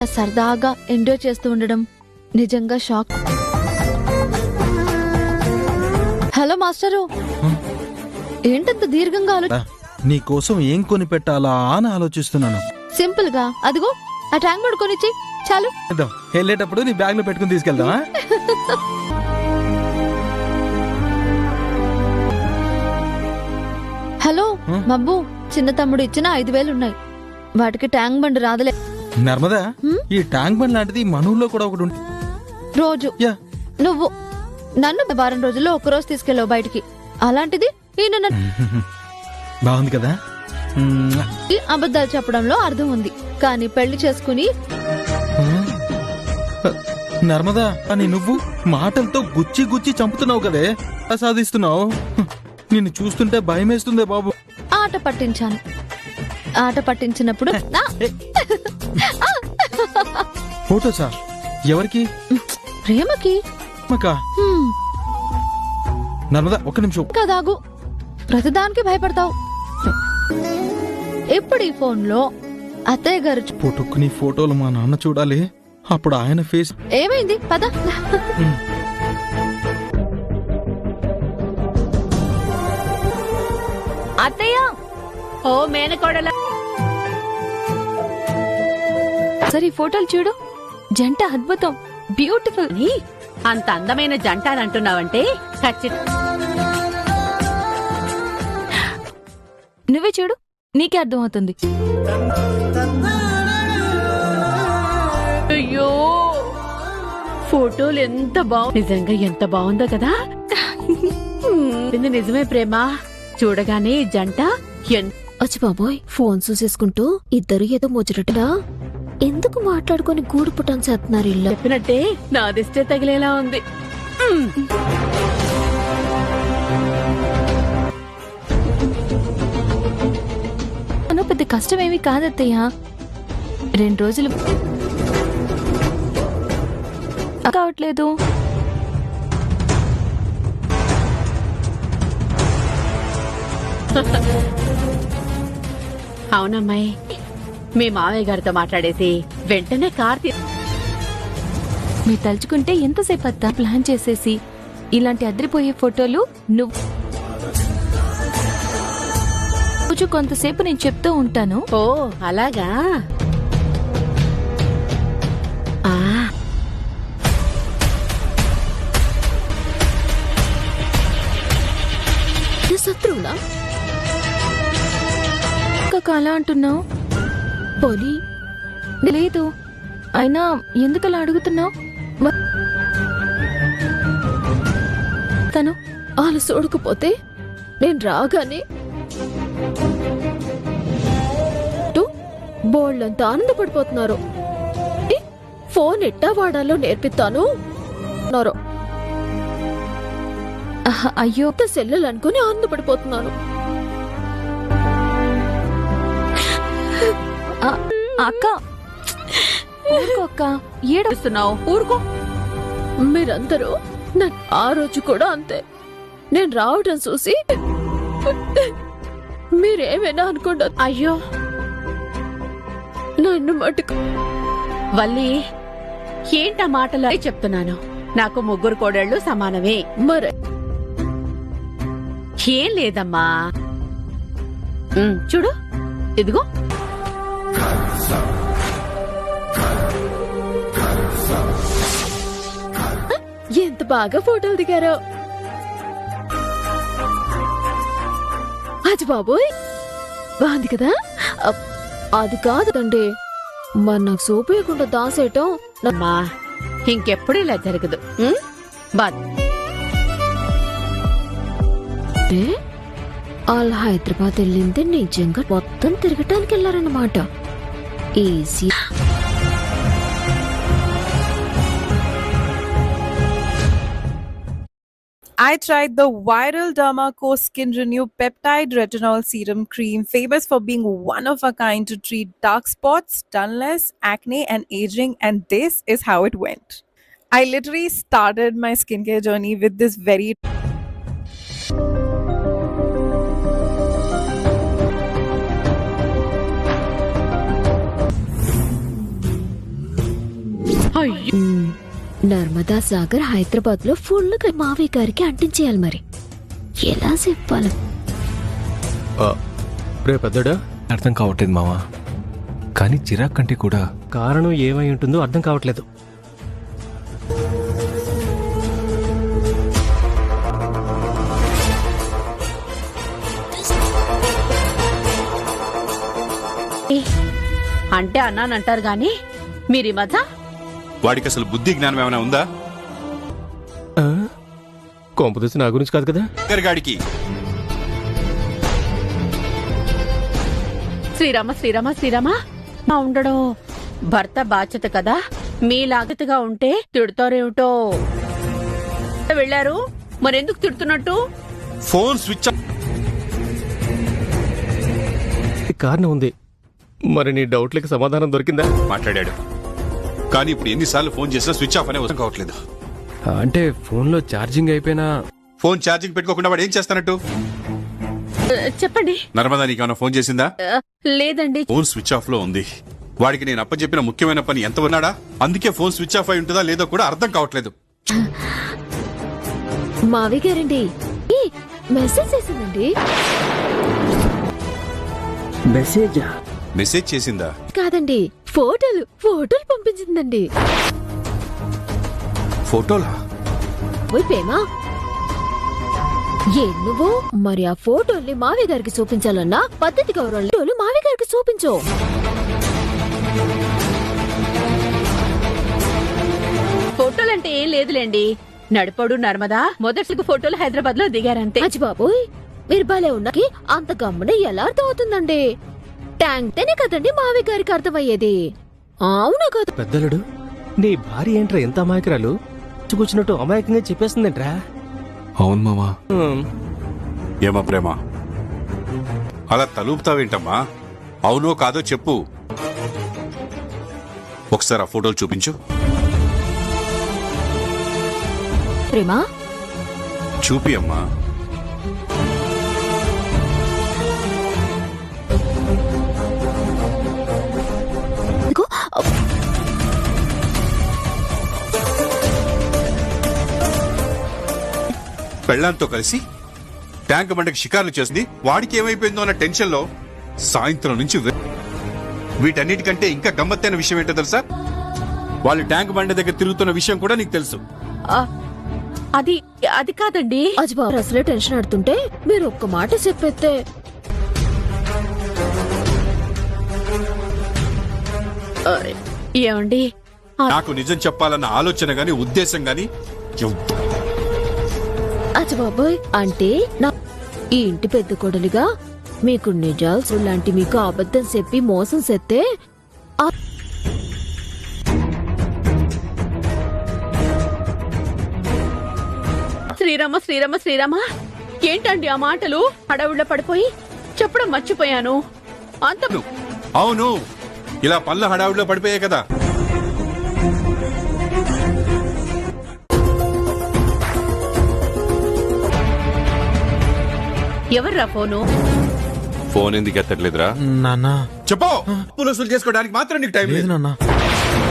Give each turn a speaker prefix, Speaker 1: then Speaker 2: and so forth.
Speaker 1: సరదాగా ఎంజాయ్ చేస్తూ ఉండడం నిజంగా షాక్. హలో మాస్టరు, ఏంటంత దీర్ఘంగా
Speaker 2: నీ కోసం ఏం కొని పెట్టాలా అని ఆలోచిస్తున్నాను.
Speaker 1: సింపుల్ గా అదిగో ఆ ట్యాంక్ బండ్ కొనిచ్చి చాలు.
Speaker 2: వెళ్ళేటప్పుడు నీ బ్యాగ్ లో పెట్టుకుని తీసుకెళ్దామా?
Speaker 1: హలో మబ్బు, చిన్న తమ్ముడు ఇచ్చిన 5,000 ఉన్నాయి. వాటికి ట్యాంక్ బండ్ రాదులే.
Speaker 2: నర్మదా, ఈ ట్యాంక్ బండ్ లాంటిది మన ఊళ్ళో కూడా ఒకటి ఉంటుంది.
Speaker 1: రోజు నువ్వు నన్ను వారం రోజుల్లో ఒక్కరోజు తీసుకెళ్ళావు బయటికి, అలాంటిది ఈయన
Speaker 2: బాగుంది కదా.
Speaker 1: అబద్ధాలు చెప్పడంలో అర్థం ఉంది, కానీ పెళ్లి చేసుకుని
Speaker 2: నర్మదా అని నువ్వు మాటలతో గుచ్చి గుచ్చి చంపుతున్నావు కదే, సాధిస్తున్నావు. నిన్ను చూస్తుంటే భయం వేస్తుందే బాబు.
Speaker 1: ఆట పట్టించాను. ఆట పట్టించినప్పుడు
Speaker 2: ఫోటోసా? ఎవరికి?
Speaker 1: ప్రేమకి.
Speaker 2: నర్మదా ఒక్క నిమిషం
Speaker 1: కదాగు, ప్రతిదానికి భయపడతావు. ఇప్పుడు ఈ ఫోన్ లో అత్తయ్య గారు
Speaker 2: పుట్టుకుని ఫోటోలు మా నాన్న చూడాలి, అప్పుడు ఆయన ఫేస్.
Speaker 1: ఏమైంది పద.
Speaker 3: అత్తయ్య, ఓ మేనకోడల,
Speaker 1: సరే ఈ ఫోటోలు చూడు, జంట అద్భుతం, బ్యూటిఫుల్.
Speaker 3: అంత అందమైన జంట అని అంటున్నావంటే ఖచ్చితంగా.
Speaker 1: నువ్వే చూడు, నీకే అర్థమవుతుంది.
Speaker 3: అయ్యో, ఫోటోలు ఎంత బాగు, నిజంగా ఎంత బాగుందో కదా. ఇది నిజమే ప్రేమ, చూడగానే ఈ జంట
Speaker 4: వచ్చి బాబోయ్, ఫోన్ చూసేసుకుంటూ ఇద్దరు ఏదో ముచ్చటగా ఎందుకు మాట్లాడుకుని గూడు పుట్టని చేస్తున్నారు. ఇల్లు
Speaker 3: చెప్పినట్టే నా దిష్టే తగిలేలా ఉంది.
Speaker 1: పెద్ద కష్టమేమి కాదత్తయ్య, 2 రోజులు కావట్లేదు.
Speaker 3: అవునమ్మాయి, మీ మావయ్య గారితో మాట్లాడేసి వెంటనే కార్
Speaker 1: మీరు తలుచుకుంటే ఎంతసేపు అత్తా ప్లాన్ చేసేసి ఇలాంటి అదిరిపోయే ఫోటోలు నువ్వు కొంతసేపు నేను చెప్తూ ఉంటాను.
Speaker 3: ఓ అలాగా.
Speaker 4: శత్రువులా
Speaker 1: అలా అంటున్నావు?
Speaker 4: పోనీ
Speaker 1: లేదు, అయినా ఎందుకలా అడుగుతున్నావు?
Speaker 4: తను వాళ్ళు చూడకపోతే నేను రాగానే బోళ్ళంతా ఆనందపడిపోతున్నారు. ఫోన్ ఎట్టా వాడాలో నేర్పిస్తాను.
Speaker 1: అయ్యో,
Speaker 4: సెల్లెలు అనుకుని ఆనందపడిపోతున్నాను.
Speaker 1: అక్క అక్క
Speaker 3: ఏడుస్తున్నావు, ఊరుకో.
Speaker 4: మీరందరూ ఆ రోజు కూడా అంతే, నేను రావడం చూసి మీరేమైనా అనుకోండి.
Speaker 3: అయ్యో
Speaker 4: నన్ను మటుకు
Speaker 3: వల్లి, ఏంటా మాటలు చెప్తున్నాను. నాకు 3 కోడళ్ళు సమానమే.
Speaker 4: మరే
Speaker 3: ఏం లేదమ్మా, చూడు ఇదిగో.
Speaker 4: ఎంత బాగా ఫోటోలు దిగారో. అది బాబోయ్, బాగుంది కదా. అది కాదండి, మరి నాకు సోపేయకుండా దాసేయటం.
Speaker 3: అమ్మా, ఇంకెప్పుడు ఇలా జరగదు.
Speaker 4: వాళ్ళు హైదరాబాద్ వెళ్ళింది నిజంగా మొత్తం తిరగటానికి వెళ్ళారన్నమాట. Easy.
Speaker 5: I tried the viral Dermaco Skin Renew Peptide Retinol Serum Cream, famous for being one of a kind to treat dark spots, dullness, acne, and aging, and this is how it went. I literally started my skincare journey with this very
Speaker 3: అయ్యో
Speaker 4: నర్మదా సాగర్ హైదరాబాద్ లో full గా మావయ్య గారికి అంటించేయాలి. మరి ఎలా చెప్పాలి?
Speaker 6: రే పెద్దడా,
Speaker 7: అర్థం కావట్లేదు మావా, కానీ చిరాక్ కంటే కూడా
Speaker 6: కారణం ఏమై ఉంటుందో అర్థం కావట్లేదు.
Speaker 3: అంటే అన్నానంటారు గాని మీరీ మధ్య
Speaker 8: వాడికి అసలు బుద్ధి జ్ఞానం ఏమైనా ఉందా?
Speaker 6: కొంపదీసి నా గురించి కాదు కదా.
Speaker 8: గాడికి
Speaker 3: శ్రీరామ శ్రీరామ శ్రీరామ మా ఉండడం భర్త బాధ్యత కదా, మీలాగతగా ఉంటే తిడుతారేమిటో. వెళ్ళారు మరెందుకు తిడుతున్నట్టు?
Speaker 8: Phone switch off.
Speaker 6: కారణం ఉంది. మరి నీ డౌట్లకి సమాధానం దొరికిందా?
Speaker 8: మాట్లాడాడు, కానీ ఇప్పుడు ఎన్నిసార్లు ఫోన్ చేసినా స్విచ్ ఆఫ్ అనే అర్థం కావట్లేదు.
Speaker 6: అంటే ఫోన్లో ఛార్జింగ్ అయిపోయినా
Speaker 8: ఫోన్ ఛార్జింగ్ పెట్టుకోకుండా వాడు ఏం చేస్తానట్టు?
Speaker 3: చెప్పండి.
Speaker 8: నర్మదా నీకేమైనా ఫోన్ చేసిందా?
Speaker 3: లేదండి.
Speaker 8: ఫోన్ స్విచ్ ఆఫ్ లో ఉంది. వాడికి నేను అప్పచెప్పిన ముఖ్యమైన పని ఎంత ఉన్నాడా? అందుకే ఫోన్ స్విచ్ ఆఫ్ అయి ఉంటుందా లేదో కూడా అర్థం కావట్లేదు.
Speaker 4: మావయ్య గారండి మెసేజ్ చేసిందండి.
Speaker 8: మెసేజ్ చేసిందా?
Speaker 4: కాదండి, ఫోటోలు పంపించిందండి.
Speaker 8: ఫోటోలా?
Speaker 4: ఓయ్ ప్రేమా, ఏ నువ్వు మరి ఆ ఫోటోల్ని మావయ్య గారికి చూపించాలన్నా పద్ధతి గౌరవం మావయ్య గారికి చూపించు.
Speaker 3: ఫోటోలంటే ఏం లేదులేండి, నడిపడు నర్మదా మొదటి ఫోటోలు హైదరాబాద్ లో దిగారంతే.
Speaker 4: అచ్చి బాబోయ్, మీరు భలే ఉన్నకి అంత గమ్మున ఎలా అర్థం అవుతుందండి? ట్యాంక్ తేనే కదండి మావయ్య గారికి అర్థమయ్యేది. అవునా కదా?
Speaker 6: పెద్దలుడు, నీ భార్య ఏంట్రా ఎంత అమాయకురాలు? కూర్చున్నట్టు అమాయకంగా చెప్పేస్తుందేంట్రా?
Speaker 7: అవును మావా.
Speaker 8: ఏమా ప్రేమ, అలా తలుపుతావేంటమ్మా? అవునో కాదో చెప్పు. ఒకసారి ఆ ఫోటోలు చూపించు.
Speaker 4: ప్రేమా
Speaker 8: చూపి అమ్మా.
Speaker 4: ఇదిగో,
Speaker 8: పెళ్లాంతో కలిసి ట్యాంక్ బండకి షికార్లు చేసింది. వాడికి ఏమైపోయిందో అన్న టెన్షన్ లో సాయంత్రం నుంచి వీటన్నిటికంటే ఇంకా గమ్మత్తైన విషయం ఏంటో తెలుసా? వాళ్ళు ట్యాంక్ బండ దగ్గర తిరుగుతున్న విషయం కూడా నీకు తెలుసు.
Speaker 3: అది అది కాదండి.
Speaker 4: అజ్జి బాబు అసలే టెన్షన్ ఆడుతుంటే మీరు ఒక్క మాట చెప్పేస్తే.
Speaker 3: ఏమండి,
Speaker 8: నాకు నిజం చెప్పాలన్న ఆలోచన గాని ఉద్దేశం గాని
Speaker 4: అజ్జి బాబోయ్, అంటే నా ఈ ఇంటి పెద్ద కొడలిగా మీకు నిజాలు లాంటి మీకు అబద్ధం చెప్పి మోసం చేస్తే
Speaker 3: శ్రీరామ శ్రీరామ శ్రీరామ ఏంటండి ఆ మాటలు? హడావుడిలో పడిపోయి చెప్పడం మర్చిపోయాను. అంత
Speaker 8: అవును, ఇలా పళ్ళ హడావుడిలో పడిపోయాయి కదా.
Speaker 3: ఎవర్రా ఫోను?
Speaker 8: ఫోన్ ఎందుకు ఎత్తట్లేదురా?
Speaker 2: నాన్న
Speaker 8: చెప్పు. పులుసులు చేసుకోవడానికి మాత్రం నీకు టైం
Speaker 2: లేదు
Speaker 8: లేదు.
Speaker 2: నాన్న.